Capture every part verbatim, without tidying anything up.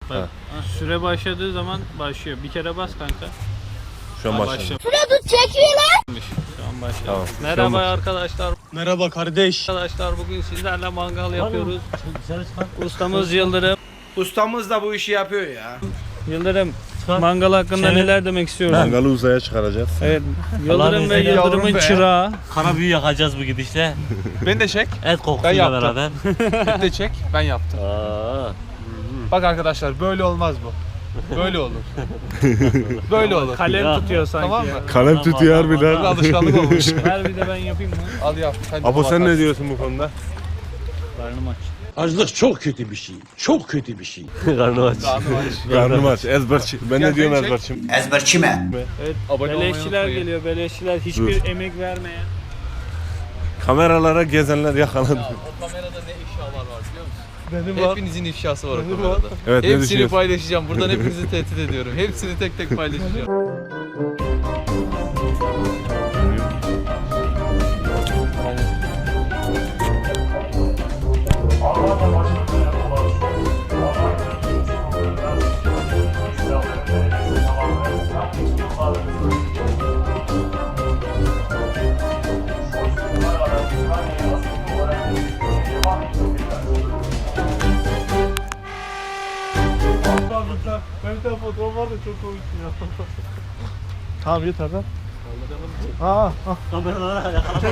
Bak, süre başladığı zaman başlıyor. Bir kere bas kanka. Şu an başladı. Şurada çekiyor lan. Şu an başladı. Tamam. Merhaba arkadaşlar. Merhaba kardeş. Arkadaşlar bugün sizlerle mangal yapıyoruz. Ustamız Yıldırım. Ustamız da bu işi yapıyor ya. Yıldırım, mangal hakkında neler demek istiyorsun? Mangalı uzaya çıkaracağız. Evet, Yıldırım ve izniyle Yıldırım'ın yavrum be. çırağı. Kara büyü yakacağız bu gidişle. Beni de çek. Et kokusuyla yaptım. beraber. Beni de çek. Ben yaptım. Aa. Bak arkadaşlar böyle olmaz bu. Böyle olur. Böyle olur. Kalem Ya. tutuyor sanki. Tamam mı? ya. Kalem tutuyor Bir harbiden. alışkanlık olmuş. Ver bir de ben yapayım mı? Al yap. Hadi Apo sen bakarsın. ne diyorsun bu konuda? Karnım aç. Açlık çok kötü bir şey. Çok kötü bir şey. Karnı aç. Karnım aç. Ezberçi. Ben Gel ne diyorum beni çek. ezberçim? Ezberçime. Evet, Abone olmayı beleşçiler unutmayın. geliyor, beleşçiler. Hiçbir emek vermeyen. Kameralara gezenler yakalandı. O kamerada ne ifşalar var biliyor musun? Benim Hepinizin ifşası var o kamerada. Evet ne Hepsini düşünüyorsun? paylaşacağım. Buradan hepinizi tehdit ediyorum. Hepsini tek tek paylaşacağım. Benim de fotoğraf var da çok komik ya. Tamam yeter lan. Kameralara yakalandı.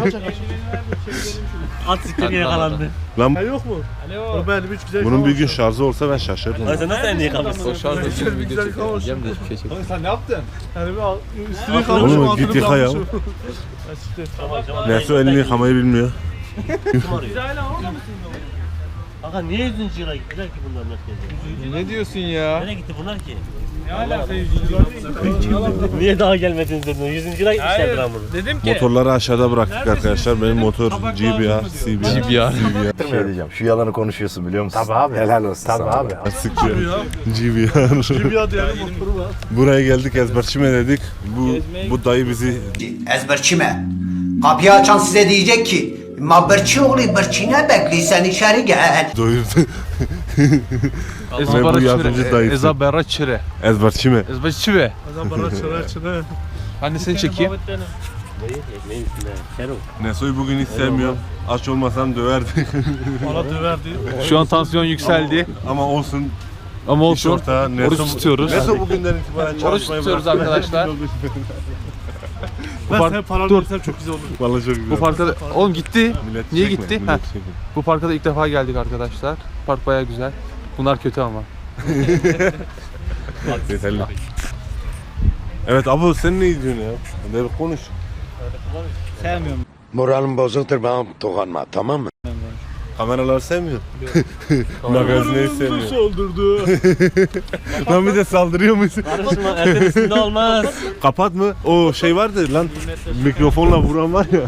At siktir yakalandı. Lan Yok mu? Alo. Benim hiç güzel bunun bir gün şarjı olsa ben şaşırırım. Lan sen nasıl elini yıkamışsın? O şarjda bir video çekeceğim de hiçbir şey çekeceğim. Sen ne yaptın? Yani bir üstünü Oğlum, kalmışım, Oğlum altını git yıka ya. kalmışım. Neyse elini yıkamayı bilmiyor. Biz hala orada mısın? Kanka niye yüzüncü yıla gittiler ki bunlar merkeze? Ne diyorsun ya? Nereye gitti bunlar ki? Ne alaka yüzüncü Niye daha gelmediniz dedin? Yüzüncü yıla gitmişler Hayır, lan bunu. dedim ki Motorları aşağıda bıraktık arkadaşlar. Benim motor G B R, C B R. G B R. Şey diyeceğim. Şu yalanı konuşuyorsun biliyor musun? Tabii abi. Helal olsun Tabii sana. abi. Sıkıyor. G B R. bir adı yani motoru var. Buraya geldik ezberçime dedik. Bu bu dayı bizi Ezberçime. Kapıyı açan size diyecek ki Mabırçı oğlu bırçına bekliyor sen içeri gel. doyurdu. Ezbara bu yardımcı çire. dayısı. Ezbara çire. Ezberçime. Ezbara çire. Adam bana çıra çıra. Ben de seni çekeyim. Neyi? Ekmeğin üstünde. Kerem. Neso'yu bugün hiç sevmiyorum. Aç olmasam döverdi. Bana döverdi. Şu an tansiyon yükseldi. Ama olsun. Ama İş olsun. ortağı Neso. Oruç tutuyoruz. Neso bugünden itibaren Oruç çalışmayı tutuyoruz bıraktı. arkadaşlar. Bu Ben park, senin paranı dur. versem çok güzel olur. Vallahi çok güzel. Bu parka da, oğlum gitti. Millet Niye çekme, gitti? millet Heh. çekme. Bu parka da ilk defa geldik arkadaşlar. Park bayağı güzel. Bunlar kötü ama. Yeterli. Evet abi sen ne diyorsun ya? Hadi bir konuş. Sevmiyorum. Moralim bozuktur bana dokunma tamam mı? Kameraları sevmiyor. Magazineyi sevmiyor. Saldırdı. Lan bir de saldırıyor musun? Karışma etin üstünde olmaz. Kapat mı? O şey vardı lan mikrofonla vuran var ya.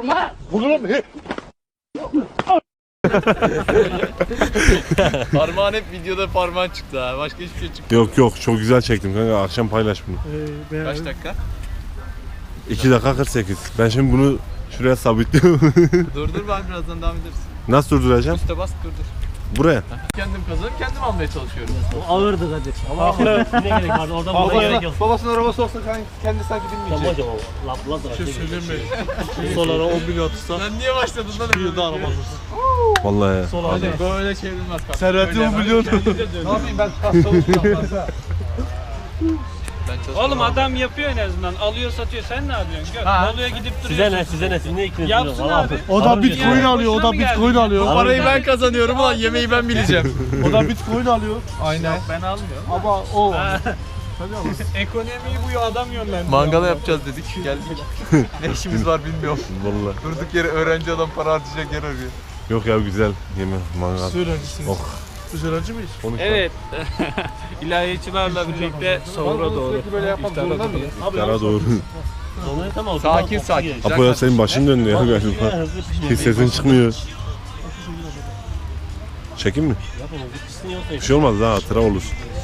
Parmağın hep videoda parmağın çıktı ha. Başka hiçbir şey çıktı. Yok yok çok güzel çektim kanka akşam paylaş bunu. Kaç dakika? iki dakika kırk sekiz. Ben şimdi bunu şuraya sabitliyorum. Durdur ben birazdan devam ederiz. Nasıl durduracağım? Üste bas durdur. Buraya. Kendim kazanıp kendim almaya çalışıyorum. O ağırdı Kadir. Ama ne gerek vardı? Oradan bulma gerek yok. Babasının arabası olsa kendi sanki Sen bilmeyecek. hocam o. Laf laf da. Şey söyleyeyim mi? Solara on bin atırsa. Sen niye başladın lan? Bir yılda araba alırsın. Vallahi ya. Sola hadi. Böyle çevrilmez kanka. Serveti on milyon. Ne yapayım ben kas çalışacağım kanka. Ben çalışmam. Oğlum adam yapıyor en azından. Alıyor satıyor. Sen ne yapıyorsun? Gör. Ha. Bolu'ya gidip duruyorsun. Size ne? Size ne? Siz ne ikiniz? Yapsın Vallahi abi. abi. O da Bitcoin alıyor. O da Bitcoin alıyor. Bu parayı ben kazanıyorum ulan yemeği ben bileceğim. O da Bitcoin alıyor. Aynen. Ben almıyorum. Ama o. Ekonomiyi bu adam yönlendiriyor. Mangala yapacağız dedik geldik. Ne işimiz var bilmiyorum. Vallahi. Durduk yere öğrenci adam para harcayacak yer arıyor. Yok ya güzel yeme mangal. Öğrencisiniz. Oh. Biz öğrenci miyiz? Konuş Evet. İlahiyatçılarla birlikte sahura doğru. Böyle yapmak zorunda mıyız? Yara doğru. Sonra tamam. Sakin sakin. Apo ya senin başın döndü ya galiba. Hızlı pişmiyor. Hiç sesin çıkmıyor. Çekeyim mi? Yapın hızlı pişsin yoksa. Bir şey olmaz daha hatıra olur.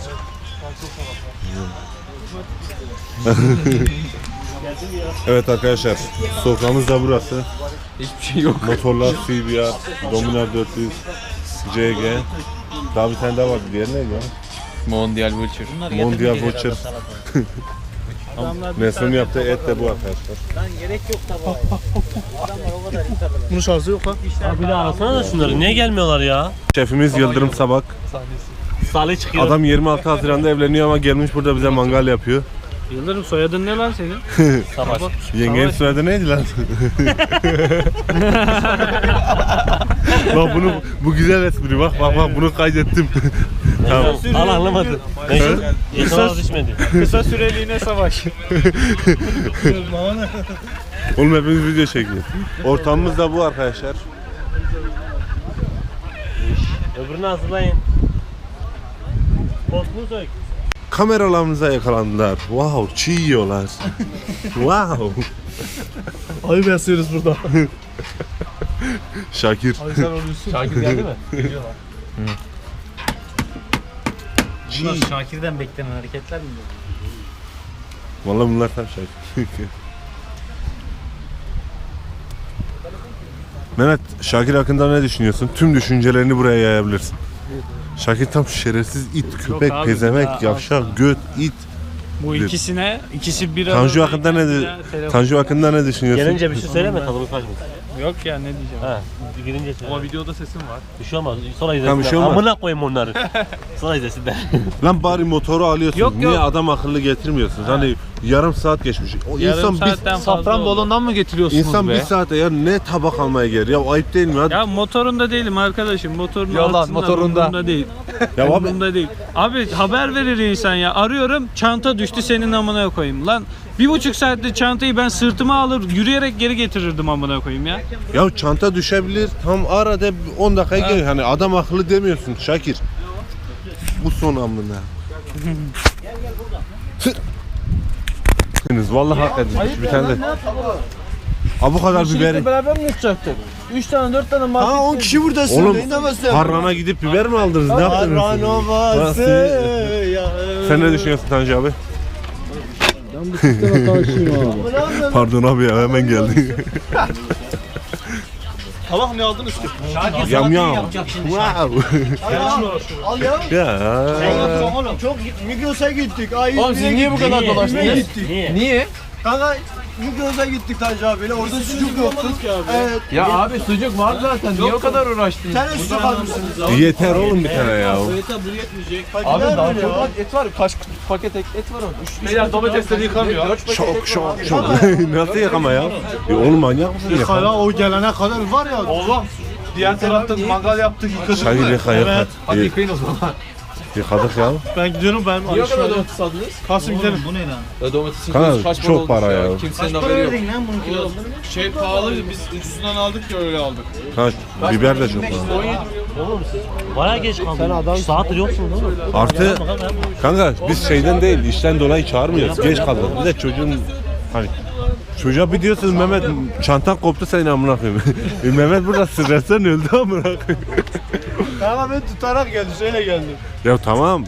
Evet arkadaşlar sokağımız da burası. Hiçbir şey yok. Motorlar C B R, Dominar dört yüz, C G. Daha bir tane daha vardı. Diğer neydi ya? Mondial Vulture. Mondial Watcher. Adamlar bir Nesrin tane yaptığı et de bu tabağı- arkadaşlar. Lan gerek yok tabağa. Adamlar o kadar insan. Bunun şansı yok ha. İşler Bir de arasana da şunları. Niye gelmiyorlar ya? Şefimiz Yıldırım Sabak. Salih çıkıyor. Adam yirmi altı Haziran'da evleniyor ama gelmiş burada bize mangal yapıyor. Yıldırım soyadın ne lan senin? Savaş. Yengenin soyadı neydi lan? Bak bunu bu güzel espri bak bak bak bunu kaydettim. Tamam. Al anlamadı. Kısa düşmedi. Kısa süreliğine savaş. Oğlum hepimiz video çekiyor. Ortamımız da bu arkadaşlar. Öbürünü hazırlayın. Postunu sök. Kameralarımıza yakalandılar. Wow, çiğ yiyorlar. Wow. Ayıp yazıyoruz burada. Şakir. Şakir geldi mi? Bunlar Şakir'den beklenen hareketler mi? Vallahi bunlar tam Şakir. Mehmet, Şakir hakkında ne düşünüyorsun? Tüm düşüncelerini buraya yayabilirsin. Şakir tam şerefsiz it, köpek, abi, pezemek, ya, yavşak, göt, it. Bu ikisine, ikisi bir Tanju arada hakkında ne beklenen bir telefon- Tanju hakkında ne düşünüyorsun? Gelince bir şey söyleme tadını kaçmasın. Yok ya ne diyeceğim. Ha, girince söyle. Ama videoda sesim var. Bir şey olmaz. Sonra Tamam, izlesinler. bir şey olmaz. Amına koyayım onları. Sonra izlesinler. Lan bari motoru alıyorsun. Yok, Niye yok. adam akıllı getirmiyorsun? Hani yarım saat geçmiş. O Yarım insan bir saatten fazla oldu. Safranbolu'ndan mı getiriyorsunuz insan be? bir saate ya ne tabak almaya gelir? Ya ayıp değil mi? Hadi. Ya motorunda değilim arkadaşım. Motorun Yalan, altında, motorunda. umurumda değil. Ya abi Umurumda değil. Abi haber verir insan ya. Arıyorum çanta düştü senin amına koyayım. Lan bir buçuk saatte çantayı ben sırtıma alır yürüyerek geri getirirdim amına koyayım ya. ya çanta düşebilir. Tam arada on dakika gelir. Hani adam akıllı demiyorsun Şakir. Bu son amına. Vallahi hak edilmiş bir tane de. Ha bu kadar biberi. Beraber mi yutacaktık? üç tane dört tane market. Ha on kişi buradasın. Oğlum İnanamazsın. Harran'a gidip biber mi aldınız? Ne yaptınız? Nasıl? Sen ne düşünüyorsun Tanju abi? Ben bu sisteme karşıyım abi. Pardon abi ya hemen geldi. Tabak ne aldınız ki? Yam yam. Wow. Al ya. Ya. Oğlum çok Migros'a gittik. Ay Oğlum siz niye bu kadar Niye dolaştınız? gittik? Niye? Niye? Kanka Migros'a gittik Tanju abiyle. Orada sucuk yoktu. Evet. Ya abi sucuk var zaten. Niye o kadar uğraştınız? Sen de sucuk almışsınız. Yeter oğlum bir tane ya. Abi daha böyle çok ya? var. Et var. Kaç paket et, et var orada. Beyler domatesleri yıkamıyor. Şok şok şok. Nasıl yakama ya? Ya oğlum manyak mısın ya? Hala o gelene kadar var ya. Oğlum. Diğer tarafta mangal yaptık yıkadık Şakir mı? yıka yıka. Hadi yıkayın o zaman. Yıkadık ya. Ben gidiyorum ben. Niye o kadar domates aldınız? Kasım gidelim. Ya domatesin Kanka, kilosu kaç para çok para olmuş ya. Kimsenin haberi yok. lan bunun kilosu? Şey pahalıydı biz ucuzundan aldık ya öyle aldık. Ha, biber de çok var. Oğlum siz bayağı geç kaldınız. Sen adam saattir yoksunuz oğlum. Artı kanka biz şeyden değil işten dolayı çağırmıyoruz. Geç kaldık. Bir de çocuğun hani çocuğa bir diyorsunuz Mehmet çantan koptu senin amına koyayım. E, Mehmet burada stresten öldü amına koyayım. Kanka ben tutarak geldi. Şöyle geldim. Ya tamam.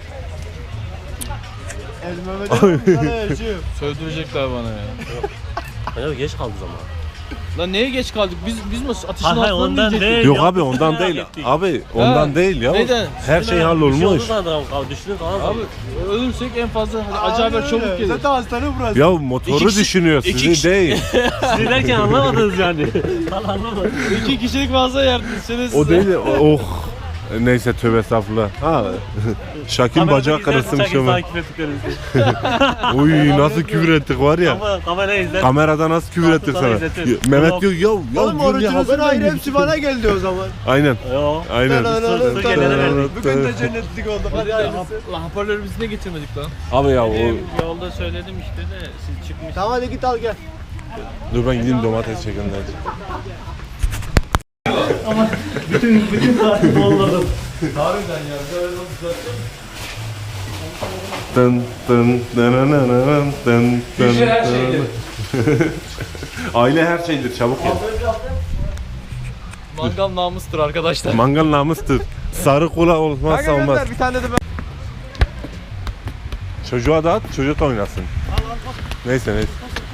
Elmeme Sövdürecekler bana ya. Ya geç kaldı zaman. Lan neye geç kaldık? Biz biz mi ateşin Hayır hayır altına mı ondan inecektik? değil. Yok ya. abi ondan değil. Abi ondan değil ya. Neyden? Her şey Bir şey hallolmuş. oldu sandım abi. Düşünün falan. Abi ölürsek en fazla hadi acayip çabuk gelir. Zaten hastane burası. Ya motoru İki kişi- düşünüyor iki sizi kişi- değil. Siz derken anlamadınız yani. Valla anlamadım. İki kişilik fazla yerdiniz. O değil de oh. Neyse tövbe estağfurullah. Ha. Şakir bacağı kırılsın bir şey olmaz. Takip ettiklerimizi. Uy nasıl küfür ettik var ya. Ama kamerayı izler. Kamerada nasıl küfür ettik Sana sana. izletir. Mehmet diyor ya ya Oğlum diyor, niye orucunuzun haber ayrı vermiyorsun? hepsi bana geldi o zaman. Aynen. Yo. Aynen. Su gelene verdik. Bugün de cennetlik olduk. Hadi hayırlısı. Lan hoparlörü biz ne getirmedik lan? Abi ya o Yolda söyledim işte de siz çıkmış. Tamam hadi git al gel. dur ben gideyim domates çekeyim hadi. Bütün saati doldurdum. Dın dın dın dın dın Güzel her şeydir. Aile her şeydir çabuk gel. Mangal namustur arkadaşlar. Mangal namustur. Sarı kola olmazsa olmaz. Bir tane de ben. Çocuğa da at, çocuk da oynasın. Neyse neyse.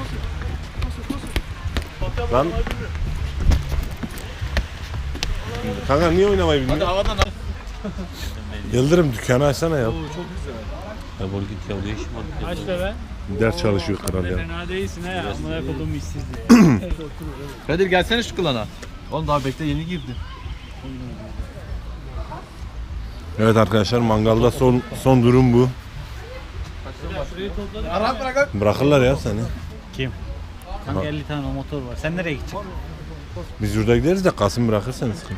Lan. Kanka niye oynamayı bilmiyorsun? Hadi havadan al. Yıldırım dükkanı açsana ya. Oo, çok güzel. Ya bol git ya değişim Aç be be. Ders çalışıyor kral ya. Fena değilsin ha. Amına koduğum işsizlik. Kadir gelsene şu klana. Oğlum daha bekle yeni girdi. Evet arkadaşlar mangalda son son durum bu. Bırakırlar ya seni. Kim? Kanka elli tane motor var. Sen nereye gideceksin? Biz yurda gideriz de Kasım bırakır seni sıkıntı.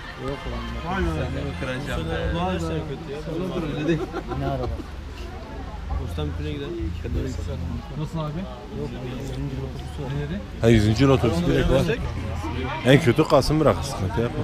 Ne araba? Nasıl abi? Ha yüzüncü yıl otobüsü direkt var. En kötü Kasım bırakır sıkıntı yapma.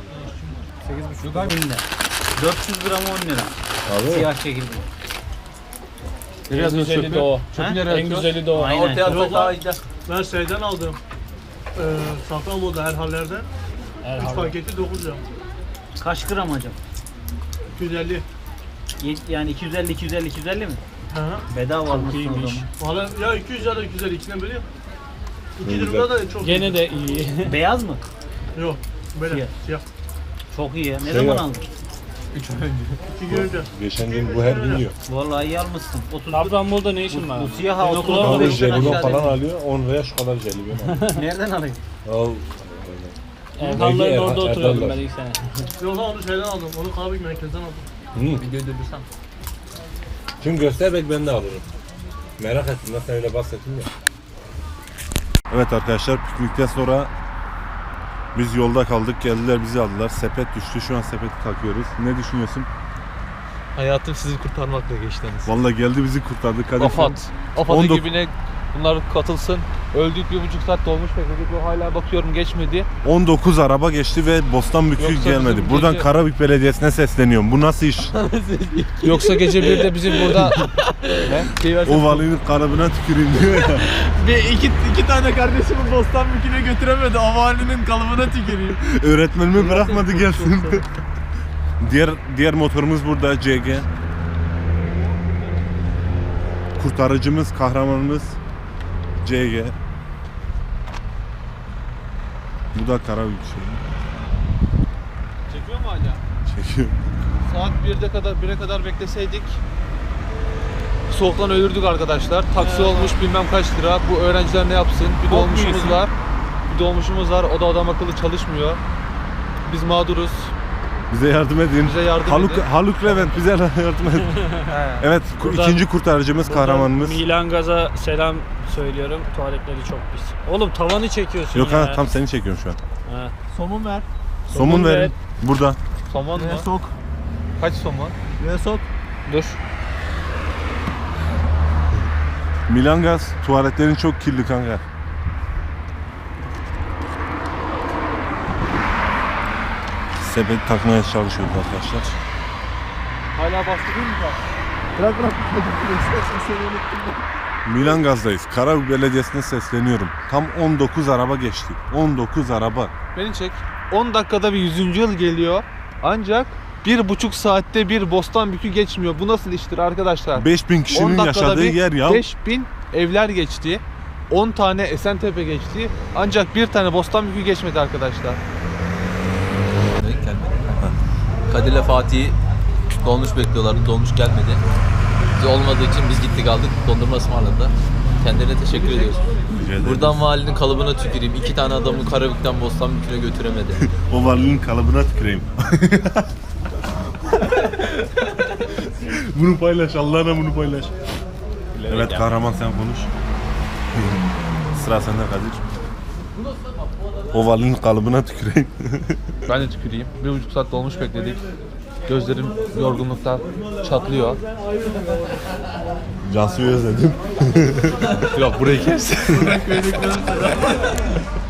dört yüz gram on lira. Abi. Siyah çekildi. Biraz güzeli de o. Çöpü nereye En atıyorsun? güzeli de o. Aynen. Ortaya atsak daha iyi. Ben şeyden aldım. Ee, Safranbolu'da her hallerden. üç paketi dokuz lira. Kaç gram hocam? iki yüz elli. Ye- Yani iki yüz elli iki yüz elli iki yüz elli mi? Hı hı. Bedava almışsın o iyiymiş. zaman. Valla ya iki yüz ya da iki yüz elli ikisinden biri. iki durumda da çok Gene de iyi. Beyaz mı? Yok. Böyle Siyah. siyah. Çok iyi ya. Ne Şey zaman yap. aldın? İki gün önce. Geçen gün bu her gün yiyor. Vallahi iyi almışsın. otuz Safranbolu'da ne işin var? Bu siyah ha otuz Okula otuz Alır beşten jelibon aşağı falan değil. alıyor. on liraya şu kadar jelibon alıyor. Nereden alayım? Al. Erhanların Belki orada Erhan- oturuyordum Erhanlar. ben ilk sene. Yok lan onu şeyden aldım. Onu kahve merkezden aldım. Hı. Videoyu durdursam. Şimdi göster belki ben de alırım. Merak ettim nasıl öyle bahsettim ya. Evet arkadaşlar piknikten sonra biz yolda kaldık. Geldiler bizi aldılar. Sepet düştü. Şu an sepeti takıyoruz. Ne düşünüyorsun? Hayatım sizi kurtarmakla geçti. Vallahi geldi bizi kurtardı. Kadir Afat. Afat on dokuz ekibine bunlar katılsın. Öldük bir buçuk saat dolmuş bekledik ve hala bakıyorum geçmedi. on dokuz araba geçti ve Bostanbükü Yoksa gelmedi. bizim Buradan gece- Karabük Belediyesi'ne sesleniyorum. Bu nasıl iş? Yoksa gece birde bizim burada ne? O valinin kalıbına tüküreyim diyor ya. Bir iki, iki tane kardeşimi Bostanbükü'ne götüremedi. Avalinin kalıbına tüküreyim. Öğretmenimi bırakmadı gelsin. diğer diğer motorumuz burada C G. Kurtarıcımız, kahramanımız C G. Bu da Karabük şey. Çekiyor mu hala? Çekiyor. Saat birde kadar bire kadar bekleseydik soğuktan ölürdük arkadaşlar. Taksi olmuş bilmem kaç lira. Bu öğrenciler ne yapsın? Bir dolmuşumuz var. Bir dolmuşumuz var. O da adam akıllı çalışmıyor. Biz mağduruz. Bize yardım edin. Bize yardım Haluk, edin. Haluk Levent bize yardım edin. Evet, ku- Buradan- ikinci kurtarıcımız, kahramanımız. Milan Gaz'a selam söylüyorum. Tuvaletleri çok pis. Oğlum tavanı çekiyorsun Yok ya. ha, tam seni çekiyorum şu an. Ha. Somun ver. Somun, Somun ver. verin. Burada. Somon mu? Ve sok. Kaç somon? Ve sok. Dur. Milan Gaz, tuvaletlerin çok kirli kanka. Sepet takmaya çalışıyoruz arkadaşlar. Hala bastırıyor mu? Bırak bırak. İstersen seni unuttum. Milan Gaz'dayız. Karabük Belediyesi'ne sesleniyorum. Tam on dokuz araba geçti. on dokuz araba. Beni çek. on dakikada bir yüzüncü yıl geliyor. Ancak bir buçuk saatte bir Bostanbükü geçmiyor. Bu nasıl iştir arkadaşlar? beş bin on kişinin dakikada yaşadığı bir yer ya. beş bin evler geçti. on tane Esentepe geçti. Ancak bir tane Bostanbükü geçmedi arkadaşlar. Kadir'le Fatih'i dolmuş bekliyorlardı. Dolmuş gelmedi. Biz olmadığı için biz gittik aldık. Dondurma ısmarladılar. Kendilerine teşekkür ediyoruz. Rica ederim. Buradan valinin kalıbına tüküreyim. İki tane adamı Karabük'ten Bostanbükü'ne götüremedi. O valinin kalıbına tüküreyim. Bunu paylaş, Allah'ına bunu paylaş. Evet kahraman sen konuş. Sıra sende Kadir. O valinin kalıbına tüküreyim. Ben de tüküreyim. Bir buçuk saat dolmuş bekledik. Gözlerim yorgunluktan çatlıyor. Cansu'yu özledim. Yok burayı kes.